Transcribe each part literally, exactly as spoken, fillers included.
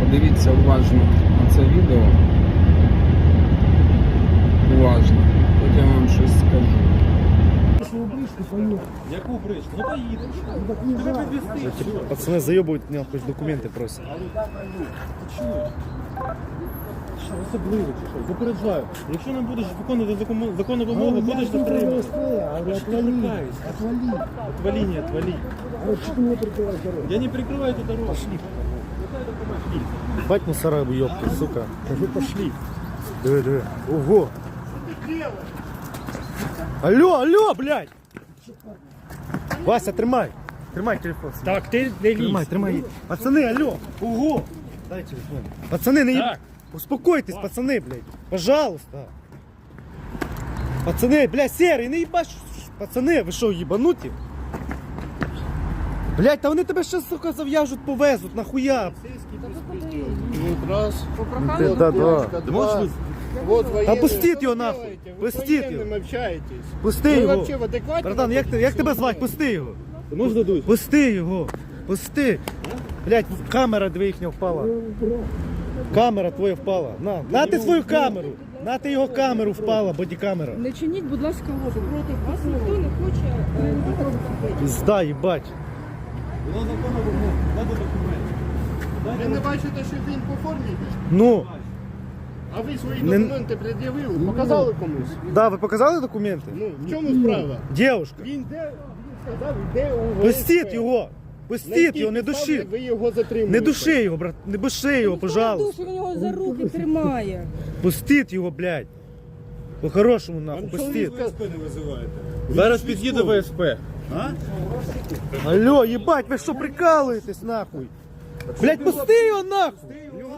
Подивіться уважно на це відео. Уважно. Потім я вам щось скажу. Яку бричку? Ну поїдемо. Тебе підвезти. Пацаны заебывают меня, хоть документы просят. Що, особливо чи що? Попереджаю. Якщо не будеш виконувати законну, законну вимогу, будеш затриманий. Отвали, отвали. Отвали, не отвали. А что ты мне прикрываешь дорогу? Я не прикрываю эту дорогу. Пошли. Бать мусора, ёбки, сука. Скажи, пошли. Диви, диви. Ого. Алло, алло, блядь. Вася, тримай. Тримай телефон. Так, ти не Тримай, тримай. Пацаны, алло. Ого. Дай телефон. Пацаны, не... Так. Успокойтесь, пацаны, блядь. Пожалуйста. Пацаны, блядь, серый, не ебаш. Пацаны, ви що, єбануті? Блядь, та вони тебе ще, сука, зав'яжуть, повезуть, нахуя? Раз. Ти, да, да. Два. Вот Та военные. пустіть його Что нахуй. делаете? Вы Пустіть с военным його. общаетесь. Пусти Вы його. вообще в адеквате? Братан, як, ти- як тебе звати? Пусти його. Можна дуй? Пусти його. Пусти. Блядь, камера дві їхня впала. Камера твоя впала. На, на ти свою камеру. На ти його камеру впала, бодікамера. Не чиніть, будь ласка, опір проти вас. Ніхто не хоче е, виконати. Пізда, їбать. Воно законна вимога. Надо документи. Ви не бачите, що він по формі йде? Ну, А ви свої Не- документи пред'явили, показали комусь? да, ви показали документи? Ну, в чому справа? Дівушка, Він де, він сказав, де у пустіть його. На Пустіть якій його, не підставі души. Ви його затримуєте. Не души його, брат, не души його, пожалуйста. Він його за руки тримає. Пустіть його, блядь. По-хорошому, нахуй, Вам пустіть. чоловіка- Зараз під'їде В С П. Алло, ебать, ви що прикалуєтесь, нахуй? Блядь, пусти його, нахуй.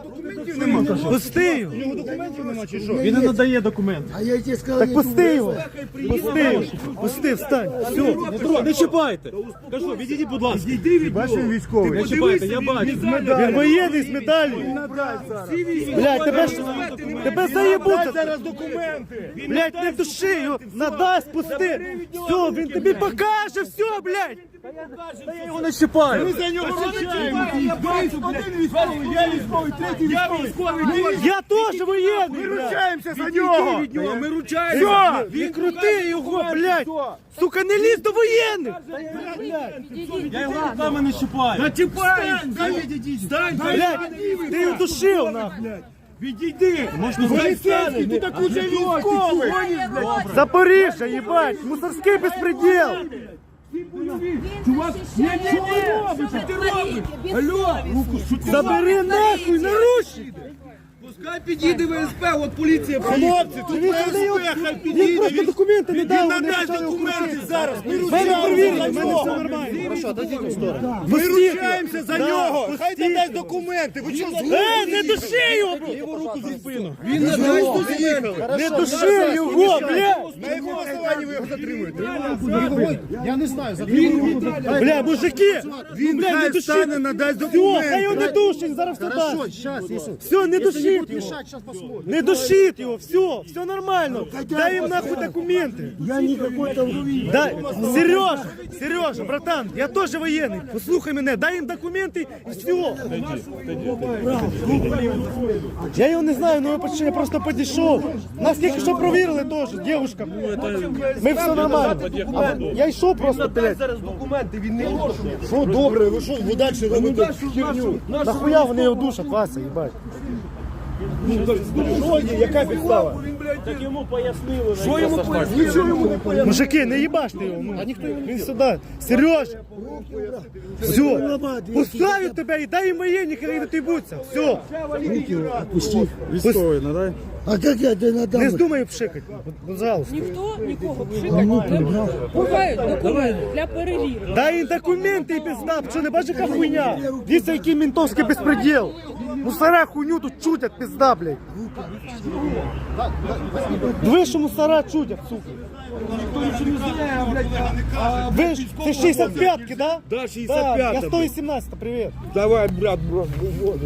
Пусти його. Він не надає документи. А я тебе сказал, Так не пусти його. думай. Пусти його. Пусти, встань. Все. Не трогай, не чіпайте. Кажу, відійдіть, будь ласка. Відійди від нього. військовий. Не чіпайте, я бачу. Він воєнний з медаллю. Блядь, тебе ж тебе заєбуться. Зараз документи. Блядь, не души його. Надасть, пусти. Все, він тобі покаже, все, блядь. Та я його не чіпаю. За нього розчаємо. Один військовий, я військовий, третій військовий. Я теж воєнний. Ми блядь. ручаємося за нього. Ми ручаємося. Він крути його, блядь. Сука, не лізь до воєнних. Я його руками не чіпаю. Блядь, ти його душив, нахуй. Відійди. Поліцейський, тут куча військових. Запоріжжя, їбать, мусорський безпреділ. Чувак, ні, ні, що ти робиш? Що ти робиш? Алло, руку, що ти Забери нахуй, наручники. Пускай підійде В С П, от поліція приїде. Хлопці, тут Він В С не його- П, хай Він підійде. просто документи не дав. Він вони надасть почали його документи крутити. зараз. Ми Мене ручаємося перевірили, за в мене нього. все нормально. Хорошо, отойдіть в сторону. Ми ручаємося за нього. Хай надасть документи. Ви що, Е, не души його, бро. його руку за спину. Він надасть документи. Не души його, блядь. На якому основанні ви його затримуєте? Бля, мужики, Він блядь, не хай души. встане, надасть Все, хай його документи. не душить, зараз все дасть. Все, не душить його. Не душить його, все, все нормально. Дай їм нахуй документи. Я не какой-то... Дай, Сережа, Сережа, братан, я теж воєнний. Послухай мене, дай їм документи і все. Я його не знаю, ну я поч- я просто підійшов. Нас тільки що провірили теж, дівчинка. Ми все нормально. А я йшов просто, блядь. Зараз документи, він не може. Що добре, ви що, ви далі робите херню? Нахуя вони його душать, Вася, їбать? Що є, яка підстава? Так йому пояснили. Що йому пояснили? Нічого йому не пояснили. Мужики, не їбаште його. Ну. Він сюди. Сереж, все, пускають тебе і дай їм воєнні, хай не тибуться. Все. Отпусти. Військовий, надай. А как я тебе надам? Не здумай пшикати, пожалуйста. Ніхто нікого пшикати не буде. Бувають документи для перевірки. Дай їм документи і пизда, що не бачиш, яка хуйня? Дивіться, який ментовський безпреділ. Мусора хуйню тут чутять, пизда, блядь. Диви, що мусора чутять, сука. Ви ж, це шістдесят п'ятки, да? Да, шістдесят п'ята, Я сто сімнадцять, привіт. Давай, брат, брат, виводи.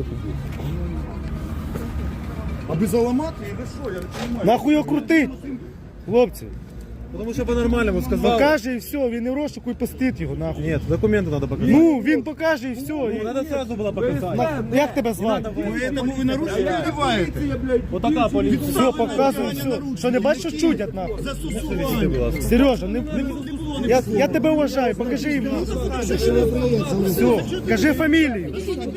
А без аламати или що? Я не розумію. Нахуй його крутить, хлопці. Тому що по-нормальному сказав. Покаже і все, він не в розшуку і пустить його нахуй. Ні, документи треба показати. Ну, він покаже і все. І... Треба одразу було показати. На- Як тебе звати? Поэтому ви нарушення вдіваєте. Отака поліція. Все, показуй, все. Що не бачиш, що чудять нахуй? Застосування. Сережа, не, не, я, я тебе вважаю, покажи їм. Все, кажи фамілію.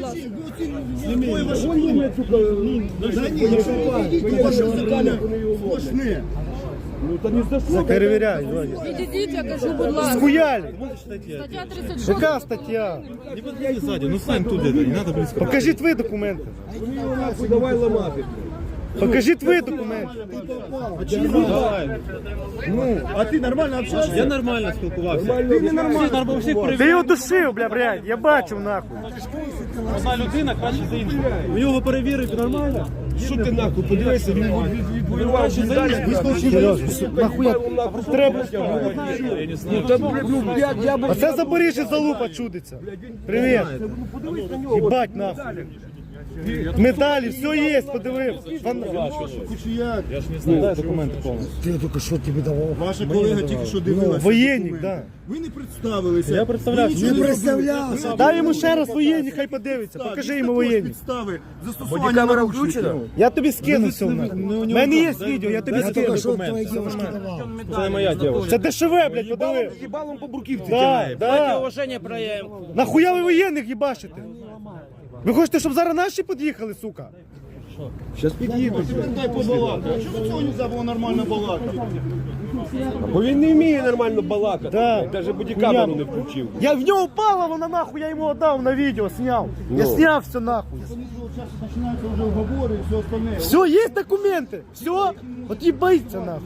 Сплошне. Перевіряй, Ваня. Відійдіть, я кажу, будь ласка. Схуяли. Стаття тридцять шість. Яка стаття? Не подходи сзади, ну стань тут где-то, не надо близко. Покажи твої документи. Давай ламати. Покажи твої документи. Давай. Ну, А ти нормально общаешься? Я нормально спілкувався. Ти не нормально. Всіх ти перевіряв. його душив, бля, блядь, я бачив нахуй. Одна людина краще за іншу. Ви його перевірите нормально? Що ти нахуй? Подивися, він відвоював Краще за іншу. Сережа, нахуя треба? Я не знаю. А це Запоріжжя залупа чудиться. Привіт. Їбать нахуй. Медалі, все є, подивив. Кучуяк. Я ж не знаю. Дай документи повністю. Ти тільки що тобі давав? Ваша колега тільки що дивилася. Воєнник, да. Ви не представилися. Я представлявся. Ви нічого Не представлявся. Дай йому ще раз воєнник, хай подивиться. Покажи йому воєнник. Підстави. Застосування камера включена? Я тобі скину все. У мене є відео, я тобі скину. Це не моя дівчина. Це дешеве, блядь, подиви. Їбалом по бурківці. Да, да. Нахуя ви воєнних їбашите? Ви хочете, щоб зараз наші під'їхали, сука? Зараз під'їдуть. Дай побалакати. А чому цього не можна було нормально балакати? Бо він не вміє нормально балакати. Да. Навіть бодікамеру не включив. Я в нього впала, вона нахуй, я йому віддав на відео, зняв. Я зняв все нахуй. Починаються вже уговори і все остальне. Все, є документи. Все, от їбається нахуй.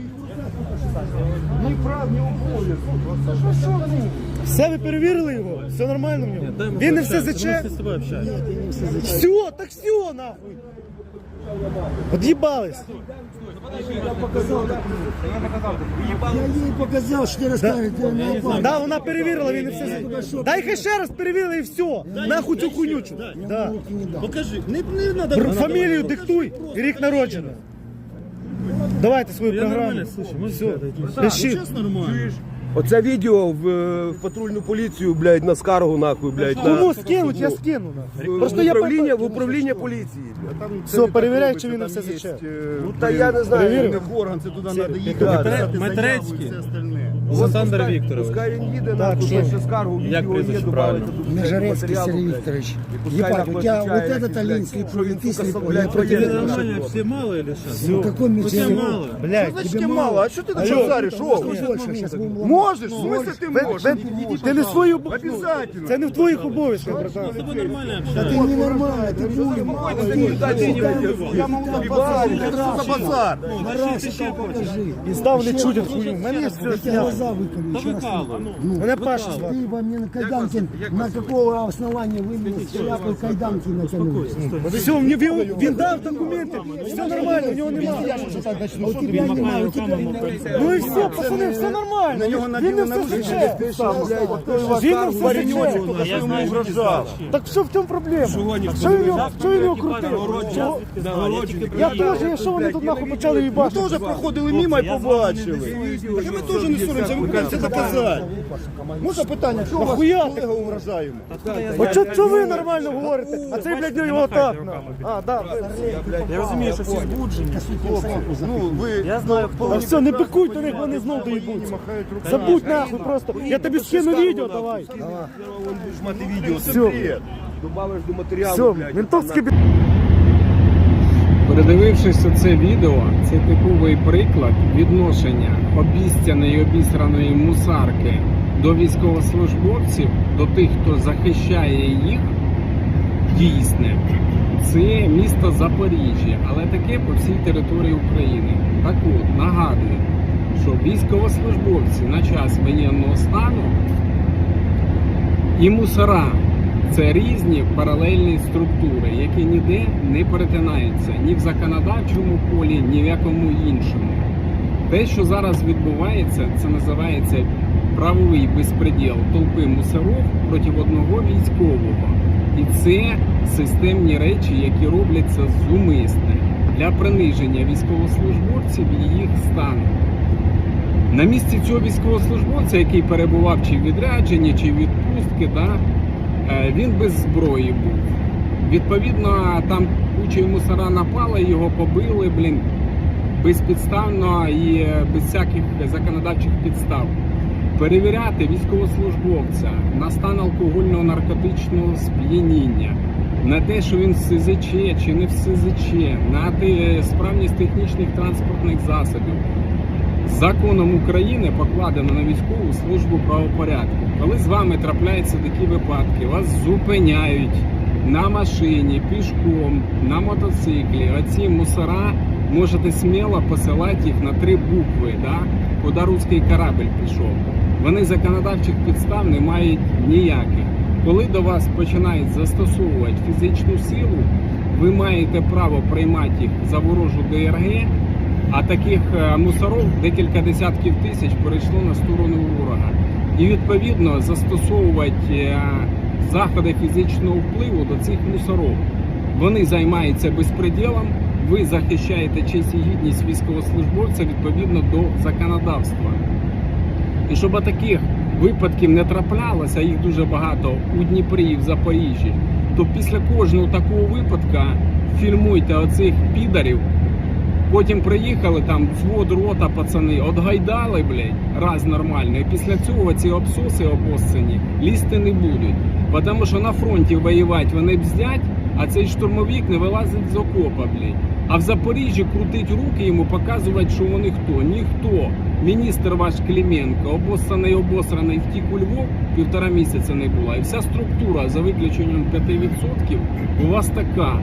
Ні прав, ні обов'язків. Все, ви перевірили його? Все нормально в нього? Він не все заче? З тобою общаюсь. Все, так все нахуй. Под'їбались. Я їй показав, що ти розкажете. Да, вона перевірила, він не все заче. Дай хай ще раз перевірили і все. Нахуй цю хуйнючу. Да. Покажи. Не, не надо. Бр- Фамілію диктуй і рік народження. Давайте свою Я програму. нормально, слушай, можеш Все, сказати? пиши. Чесно, нормально. Оце відео в, е, в патрульну поліцію, блядь, на скаргу, нахуй, блядь, на, Кому скинуть, я скину. нахуй. в, Просто в я управління, в управління поліції. блядь. Все, перевіряй, чи він на все заче. Ну, та я не знаю. Перевірив? Не в орган, це туди треба їхати, Да, писати заяву Матрецький. і все остальне. Олександр Пускай- Вікторович. Пускай він їде, Так, нахуй, що? пише скаргу, Як відео є, прізвище добавиться правильно? тут Межерецкий матеріалу, Сергей блядь. Викторович. І пускай Ебать, нахуй у тебя отвечает, вот этот блядь, Алинский що він, ты сука, слепой, блядь, я против Тебе этого. нормально, всі мало или що? Ну, какой мне Всі тебе мало. Блядь, Значить, мало, а що ти так Алло. шазариш? О, больше, сейчас будем ломать. можеш, в смысле ти ви- можеш? ви- ти не свою бу- Обязательно. Це не в твоїх обов'язках, братан. З тобою нормально Да общаюсь. ты ненормальный, ты будем. Я можу так базарити, що за базар? І став не чудять хую. Мене є Я все тебе зняв. глаза выколи. Та еще раз викали. скажу. Ну, Мене Паша звати. ты во мне на кайданке, на какого основания вы мне шляпой кайданки натянули? Все, він, він, він дав документи, все нормально, у нього немає. А у тебя нема, у тебя нема. Ну і все, пацани, все нормально. На нього Він не наділи все наручники, заче. блядь. Він не все заче. Хто йому вражав? Так що в чому проблема? Що він його, що він його крутив? Чого? Я теж, я що вони тут нахуй почали Ми їбати? теж проходили мимо і побачили. Так ми теж не соромся, ми будемо це доказати. Можна питання, чого вас Нахуя ти? колега вражаємо? От що, що ви нормально говорите? А цей, блядь, його так нахуй. А, да. Я розумію, що всі збуджені. Ну, ви... Я знаю, А все, не пикуй до них, вони знов доїбуться. Забудь нахуй просто. Я тобі скину відео, давай. Будеш мати відео, це Все. бред. Добавиш до матеріалу, Все, блядь. ментовський бі... Передивившись це відео, це типовий приклад відношення обіцяної обісраної мусарки до військовослужбовців, до тих, хто захищає їх, дійсне. Це місто Запоріжжя, але таке по всій території України. Так от, нагадую, що військовослужбовці на час воєнного стану і мусора – це різні паралельні структури, які ніде не перетинаються ні в законодавчому полі, ні в якому іншому. Те, що зараз відбувається, це називається правовий безпреділ толпи мусорів проти одного військового. І це системні речі, які робляться зумисне для приниження військовослужбовців і їх стану. На місці цього військовослужбовця, який перебував чи в відрядженні, чи в відпустці, да, е, він без зброї був. Відповідно, там куча мусора напала, його побили, блін, безпідставно і без всяких законодавчих підстав. Перевіряти військовослужбовця на стан алкогольного наркотичного сп'яніння, на те, що він в ес зет че чи не в ес зет че, на те, справність технічних транспортних засобів. Законом України покладено на військову службу правопорядку. Коли з вами трапляються такі випадки, вас зупиняють на машині, пішком, на мотоциклі, оці мусора, можете сміло посилати їх на три букви, да? Куди руський корабль пішов. Вони законодавчих підстав не мають ніяких. Коли до вас починають застосовувати фізичну силу, ви маєте право приймати їх за ворожу де ер ге, а таких мусорів декілька десятків тисяч перейшло на сторону ворога. І відповідно застосовувати заходи фізичного впливу до цих мусорів. Вони займаються безпреділом, ви захищаєте честь і гідність військовослужбовця відповідно до законодавства. І щоб таких випадків не траплялося, їх дуже багато у Дніпрі і в Запоріжжі, то після кожного такого випадка фільмуйте оцих підарів. Потім приїхали, там, взвод, рота, пацани, отгайдали, блядь, раз нормально. І після цього ці обсоси обоссані лізти не будуть. Тому що на фронті воювати вони бздять, а цей штурмовик не вилазить з окопа, блядь. А в Запоріжжі крутить руки йому, показувати, що вони хто. Ніхто. Міністр ваш Клименко, обоссаний, обосраний, втік у Львов, півтора місяця не була. І вся структура, за виключенням п'ять відсотків, у вас така.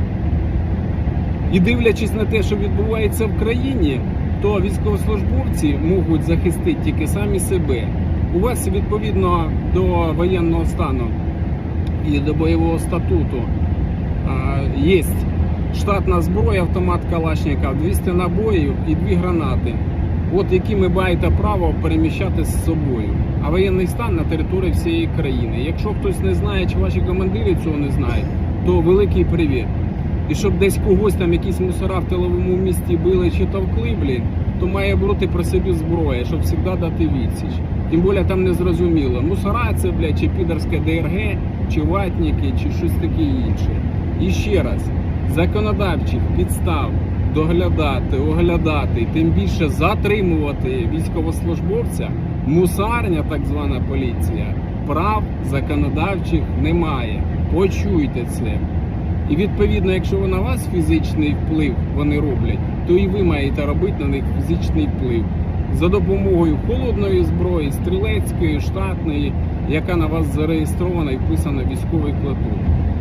І дивлячись на те, що відбувається в країні, то військовослужбовці можуть захистити тільки самі себе. У вас відповідно до воєнного стану і до бойового статуту є штатна зброя, автомат Калашников, двісті набоїв і дві гранати. От які ви маєте право переміщати з собою. А воєнний стан на території всієї країни. Якщо хтось не знає, чи ваші командири цього не знають, то великий привіт. І щоб десь когось там якісь мусора в тиловому місті били чи товкли, блін, то має бути при собі зброя, щоб завжди дати відсіч. Тим більше там не зрозуміло, мусора це, блядь, чи підерське де ер ге, чи ватники, чи щось таке інше. І ще раз, законодавчих підстав доглядати, оглядати, тим більше затримувати військовослужбовця, мусарня, так звана поліція, прав законодавчих немає. Почуйте це. І відповідно, якщо на вас фізичний вплив вони роблять, то і ви маєте робити на них фізичний вплив. За допомогою холодної зброї, стрілецької, штатної, яка на вас зареєстрована і вписана в військовий квиток.